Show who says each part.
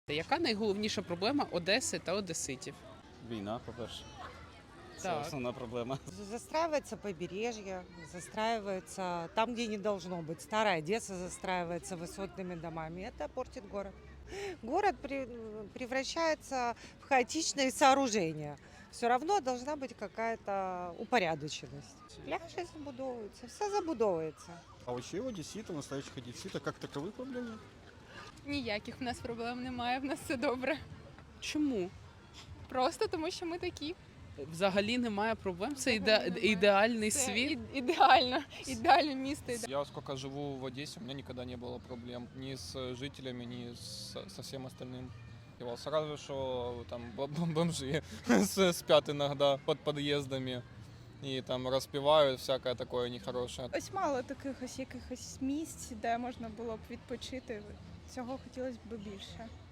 Speaker 1: Яка найголовніша проблема Одеси та одеситів?
Speaker 2: Війна, по-перше. Це
Speaker 1: Так.
Speaker 2: основна проблема.
Speaker 3: Застраивается побережье, застраивается там, где не должно быть. Старая Одесса застраивается высотными домами. Это портит город. Город превращается в хаотичные сооружения. Все равно должна быть какая-то упорядоченность. Пляжи забудовываются, все забудовывается.
Speaker 4: А вообще у одесситов, настоящих одесситов, как таковых проблем нет.
Speaker 5: Ніяких в нас проблем немає, в нас все добре.
Speaker 1: Чому?
Speaker 5: Просто тому, що ми такі.
Speaker 1: Взагалі немає проблем? Це
Speaker 5: Взагалі немає.
Speaker 1: ідеальний
Speaker 5: Це
Speaker 1: світ?
Speaker 5: ідеально, ідеальне місто.
Speaker 6: Я сколько живу в Одессе, у меня никогда не было проблем ни с жителями, ни со всем остальным. Сразу, что там бомжи спят иногда под подъездами и там распивают всякое такое нехорошее.
Speaker 7: Ось мало таких ось якихось місць, де можна було б відпочити. Цього хотілося б більше.